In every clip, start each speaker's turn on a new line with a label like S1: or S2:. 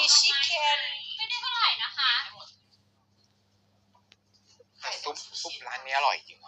S1: ชิคเก้น
S2: ไม่ได้เท่าไหร่นะคะ
S3: แต่ซุปร้านนี้อร่อยจริง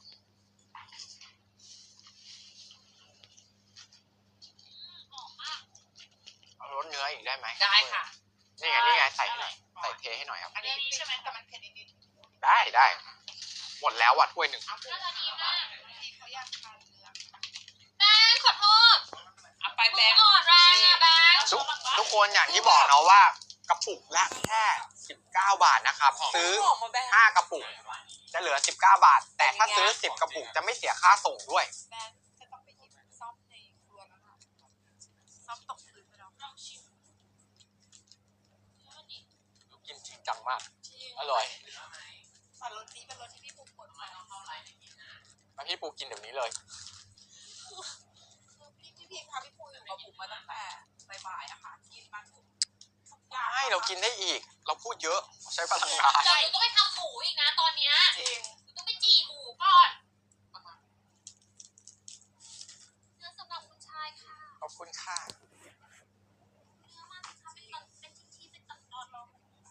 S3: เอารสเนื้ออีกได้ไหม
S1: ได้ค่ะ
S3: นี่ไงใส่เทให้หน่อยครับ
S1: อันนี้ใช่ไหมแต่มันเผ็ดนิด
S3: ๆได้หมดแล้วว่ะถ้วยหนึ่ง
S2: น่าจะดีมาก
S1: ที่เขาอยากทานเนื้อ
S2: แบงค์ขอโทษ
S1: เอาไปแบงค์
S2: อ่อนแรงอะแบงค์
S3: ทุกคนอย่างที่บอกเนาะว่ากระปุกละแค่19 บาทนะครับซื้อ5 กระปุกจะเหลือ19 บาทแต่ถ้าซื้อ10 กระปุกจะไม่เสียค่าส่งด้วย
S1: แบงค์จะต้องไปหยิบซ่อมในครัวแล้วนะซ่อมตกพื้นไปแล้วลองชิม
S3: กินจริงจังมากอร่อย
S1: แต่รสนี้เป็นรสที่พี่ปูกดมาเท่าไหร่
S3: แล้วพี่ปูกินเดี๋ยวนี้เลย
S1: พี่ค่ะพี่ปูอยู่กับผมมาตั้งแต่บ่ายๆอะค่ะกินมาทุก
S3: ไม่เรากินได้อีกเราพูดเยอะใช้พลังงาน
S2: เดี๋ยวหนูต้องไปทำหมูอีกนะตอนเนี้ย
S1: จริง
S2: หนูต้องไปจี่หมูก่อนเนื้อสำหรับคุณชายค่ะ
S3: ขอบคุณค่ะ
S2: เนื้อมันค่ะเป็นชิ้นๆเป็นตอนๆลอง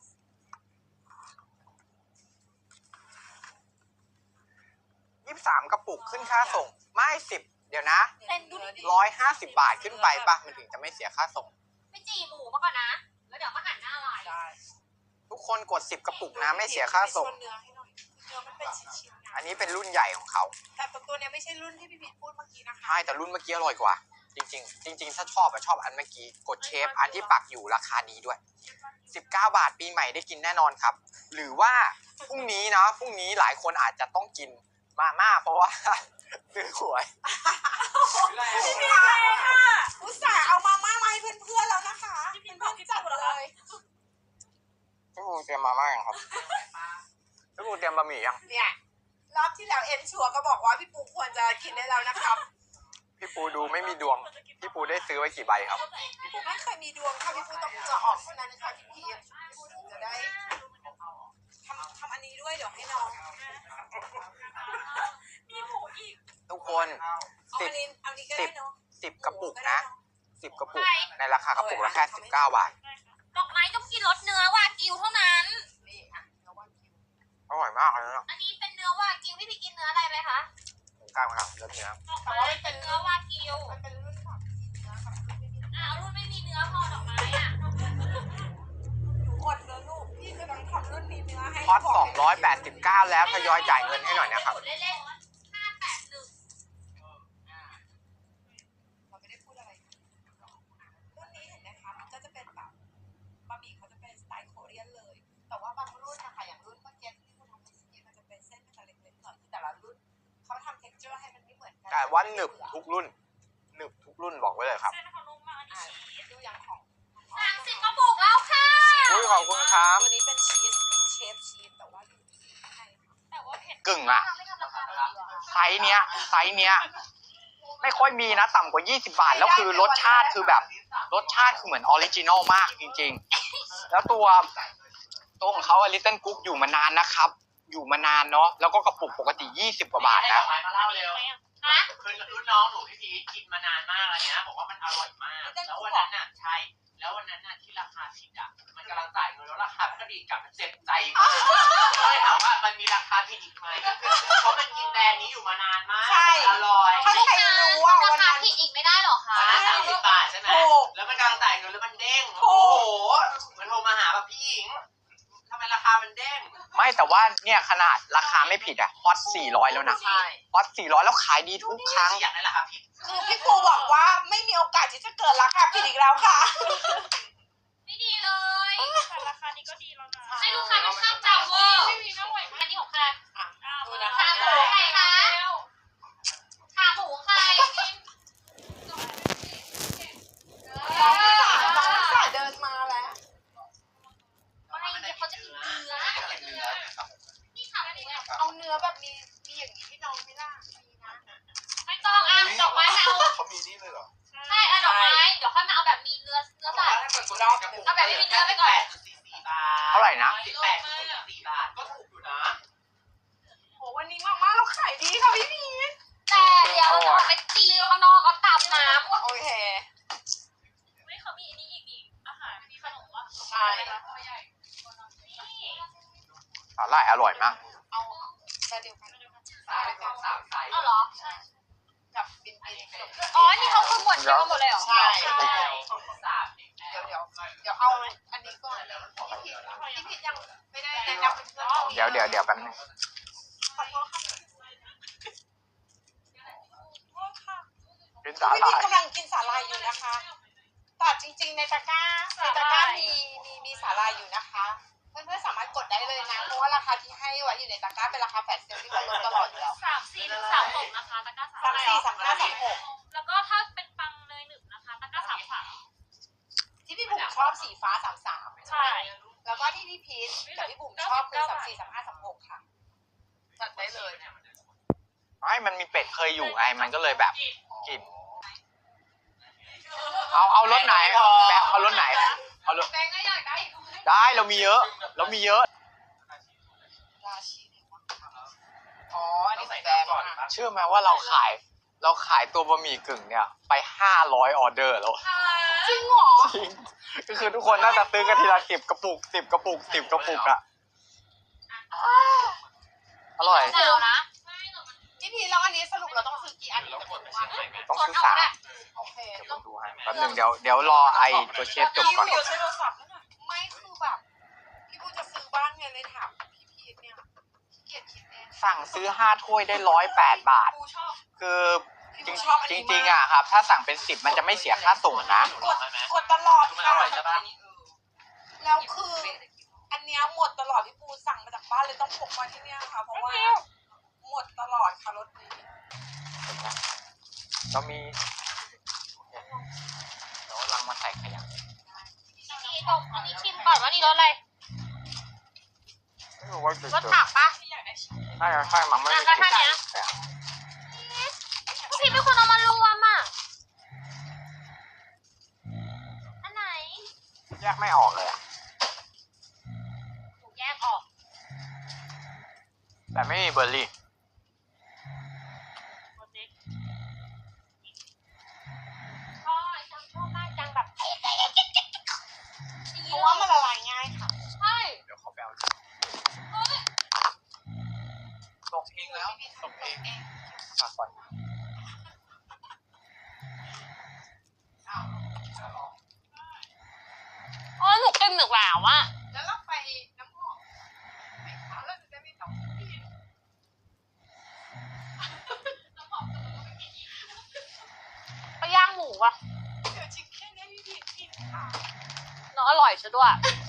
S3: 23 กระปุกขึ้นค่าส่งไม่10เดี๋ยวนะ150 บาทขึ้นไปป่ะมันถึงจะไม่เสียค่าส่ง
S2: ไปจี่หมูมาก่อนนะแล้วเดี๋ยวมาหั่นหน้าลาย
S3: ทุกคนกด10 กระปุกนะไม่เสียค่าส่ง
S1: เนื้อให้หน่อยเนื้อมันเป็นชิ้นๆ
S3: อันนี้เป็นรุ่นใหญ่ของเขา
S1: แต่ตัวนี้ไม่ใช่รุ่นที่พี่พีทพูดเมื่อกี้นะคะ
S3: ใช่แต่รุ่นเมื่อกี้อร่อยกว่าจริงถ้าชอบอันเมื่อกี้กดเชฟอันที่ปักอยู่ราคาดีด้วย19 บาทปีใหม่ได้กินแน่นอนครับหรือว่าพรุ่งนี้หลายคนอาจจะต้องกินมาม่าเพราะว่าซื้อหวย
S1: พี่พีทค่ะอุตส่าห์เอามาม่ามาให้เพื่อนๆแล้วนะคะเพื่อนๆจัดเลย
S3: พี่ปูเตรียมมาม่ายังครับพี่ปูเตรียมบะหมี่ยัง
S1: เนี่ยรอบที่แล้วเอ็นชัวก็บอกว่าพี่ปูควรจะกินได้แล้วนะครับ
S3: พี่ปูดูไม่มีดวงพี่ปูได้ซื้อไว้กี่ใบครับ
S1: พี่ปูไม่เคยมีดวงค่ะพี่ปูต้องจะออกเท่านั้นค่ะพี่พีทพี่ปูถึงจะได้ทำอันนี้ด้วยเดี๋ยวให้น้องมีหมูอีก
S3: ทุกคน10 กระปุกนะ10 กระปุกในราคากระปุกละแค่19 บาท
S2: ดอกไม้ต้องกินรสเนื้อวากิวเท่านั้น
S1: นี่อ่ะเนื้อวากิว
S3: อร่อยมากเลยนะ
S2: อันนี้เป็นเนื้อวากิวพี่กินเนื้ออะไรไหมคะ
S3: กลางครับเนื้อ
S2: ดอกไม้เป็นเนื้อวากิว
S1: มันเป็นรุ่นของเนื้อกับรุ่นไม่มีเนื้อ
S2: รุ่นไม่มีเนื้อพอดอกไม้อ่ะ
S1: หนูอดเลยลูกพี่กำลังทำรุ่นมีเนื้อให้
S3: พอด289แล้วทยอยจ่ายเงินให้หน่อยนะครับ
S1: เราไม่ได้พูดอะไรรุ่นนี้เห็นไหมคะมันก็จะเป็นแบบบะหมี่เขาจะเป็นสไตล์โคเรียนเลยแต่ว่าบางรุ่นนะคะอย่างรุ่นเมื่อกี้ที่คุณทำเมื่อกี้มันจะเป็นเส้นมันจะเล็กๆหน่อยแต่ละรุ่นเขาทำเท็กเจอร์ให้มันไม่เหมือนกัน
S3: แต่ว่าหนึบทุกรุ่นบอกไว้เลยครับ
S2: เส้นเขานุ่มมากอันนี้
S1: ดูอย่างของ
S2: 30 กระปุกแล้วค่ะ
S3: ขอบคุณครับ
S1: ตัวนี้เป็นชีสเชฟชีสแต่ว่า
S2: เผ็ด
S3: กึ่งอะไซส์เนี้ยไม่ค่อยมีนะต่ำกว่า20 บาทแล้วคือรสชาติคือแบบรสชาติคือเหมือนออริจินอลมากจริงๆแล้วตัวของเขาลิตเติ้ลกุ๊กอยู่มานานนะครับอยู่มานานเนาะแล้วก็กระปุกปกติ20 กว่าบาทนะ
S4: คือรุ่นน้องหนูพี่พีกินมานานมากแล้วเนี่ยบอกว่ามันอร่อยมากแล้ววันนั้นน่ะใช่แล้ววันนั้นน่ะที่ราคาผิดอ่ะมันกำลังจ่ายเงินแล้วราคาก็ดีกลับมันเจ็บใจมากก็เลยถามว่ามันมีราคาผิดอีกไหมเพราะมันกินแบรนด์นี้อยู่มานานมากอร่อย
S1: ถ้าใครรู้ว่า
S2: ราคาผิดอีกไม่ได้หรอคะ
S4: 30 บาทใช่ไหมแล้วมันกำลังจ่ายเงินแล้วมันเด้งโอ้โหมันโทรมาหาแบบพี่หญิงทำไมราคามันเด้ง
S3: ไม่แต่ว่าเนี่ยขนาดราคาไม่ผิดอะฮอต400แล้วนะฮอต400แล้วขายดีทุกครั้ง
S4: อยากได้ราคาผิด
S1: คือพี่ปูบอกว่าไม่มีโอกาสที่จะเกิดราคาผิดอีกแล้วค่ะ
S2: ไม่ดีเลยแต่ราคานี้ก็ดีแล้วนะให้ลูกค้าเป็นข้ามจำเวอร์อันนี้ของใคร
S1: ดูนะ
S2: ขาหมูใครคะขาหมูใคร
S1: น้องสาวเดินมาแล้ว
S2: เขาจะกินเนื้อนี่ขาหมู
S1: เอาเนื้อแบบมีอย่างนี้ให้น้องไม่ล่ะมีนะ
S2: ไม่ต้องดอกไม้
S4: เขามีนี่เลยเหรอ
S2: ใช่ดอกไม้เดี๋ยวค่อยมาเอาแบบมีเนื้อสัตว์เอาแบบไม่มีเนื้อไปก่อน
S3: เท่าไหร่นะ
S4: 18.4 บาทก็ถูกอยู่นะ
S1: โหวันนี้มากๆเราขายดีค่ะพี่พีท
S2: แต่เดี๋ยวเราไปตีข้างนอกเอาตามน้ำ
S1: โอเค
S2: ไม่เขามีอันนี้อีกอาหารมีขนมวะ
S3: สาหร่ายอร่อยมาก
S1: เอาแต่เดียวกัน
S4: สามไซส์
S2: เอาเหรอ
S1: กับบิน
S2: อ๋อ นี่เขาคือหมดเดียวกันหมดเลยเหรอ
S1: ใช่
S4: สาม
S1: เดี๋ยวเอาอันนี้ก่อนพี่พิษยังไม่ได้แนะนำเพื่อน
S3: เดี๋ยวแป๊บนึง
S1: ขอโทษค่ะ
S3: กินสา
S1: พี่
S3: หร่า
S1: พิษ
S3: ย
S1: กำลังกินสาหร่ายอยู่นะคะแต่จริงๆในตะกร้ามีสาหร่ายอยู่นะคะ เพื่อนๆสามารถกดได้เลยนะ เพราะว่าราคาที่ให้ไว้อยู่ในตะกร้าเป็นราคาแฟลชเซลล์ที่เขาลดตลอดอยู่แล้ว
S2: 34 ถึง 36 นะคะ ตะกร้า
S1: 34 35 36
S2: แล้วก็ถ้าเป็นปังเนยหนึบนะคะ ตะกร้า 33
S1: ที่พี่บุ๋มชอบสีฟ้า33
S2: ใช่
S1: แล้วก็ที่พี่พีชกับพี่บุ๋มชอบคือ34 35 36ค่ะจัดได้เลย
S3: ไม่มันมีเป็ดเคยอยู่ไง มันก็เลยแบบกิน เอารสไหนแบงเอารสไหน เอารส
S1: แบงค์ก็อยากได้
S3: ได้เรามีเยอะ
S1: ราชินีอ๋ออันนี้ใส่แบงค์ค่ะ
S3: เชื่อไหมว่าเราขายตัวบะหมี่กึ่งเนี่ยไป500ออเดอร์แล้ว
S1: จริงเหรอ
S3: จริงก็คือทุกคนน่าจะซื้อกันทีละ10 กระปุก 10 กระปุก 10 กระปุกอะอร่อย
S2: เดี๋ยวนะ
S1: พี่พีชแล้วอันนี้สรุปเราต้องซื้อกี่อันถึงจะหมดว่า
S3: ต้องซื้อ3
S1: โอเค
S3: เดี๋ยวผมดูให้แป๊บนึงเดี๋ยวรอไอตัวเชฟจบก่อน
S1: พี่ใช้โทรศัพท์แล้วนะไม่คือแบบพี่บูจะซื้อบ้างไงเลยถามพี่พีชเนี่ยขี้เกียจคิดเอง
S3: สั่งซื้อ5 ถ้วยได้108 บาท
S1: บูชอบ
S3: คือ
S1: พี่บูชอบอัน
S3: จ
S1: นี้
S3: ริง
S1: มาก
S3: ๆอะครับ ถ้าสั่งเป็น10มันจะไม่เสียค่าส่งนะ
S1: กดตลอด
S4: มันอ
S1: ค่ะ
S4: ร่อยใช่ปะ
S1: แล้วคืออันเนี้ยหมดตลอดพี่ปูสั่งมาจากบ้านเลยต้องพกมาที่เนี่ยค่ะ เพราะว่าหมดตลอดค่ะรถนี้
S3: เรามีเดี๋ยวลังมาใส่ขยะ
S2: นี่ตกอันนี้ชิมก่อนว่านี่รสอะไร
S3: ไม่รู้ว่าจะ
S2: รสผักปะ
S3: น่าจะใช่มั้งไม่ได้
S2: แล้วก็ท่าเนี้ย พี่เป็นคนเอามารวมอ่ะ อันไหน
S3: แยกไม่ออกเลยอะ
S2: ถูกแยกออก
S3: แต่ไม่มีเบอร์รี่
S2: พ่อจังชอบมากจังแบบ
S1: เพราะว่ามันละลายง่ายค่ะ
S2: ใช่
S3: เดี๋ยวเขาไปเอา
S2: เฮ้ย
S3: ตกเองแล้วตกเองฝากก่อน
S2: อ๋อหนูกินหนึกแล้วอ่ะ
S1: แล้วเราไปน้ำหอมไหมคะเราจะได้ไม่ต้องกิน
S2: ไปย่างหมูอ่ะ
S1: เดี๋ยวชิคเก้นให้พี่พีชกินค่ะ
S2: เนาะอร่อยซะด้วย
S1: อ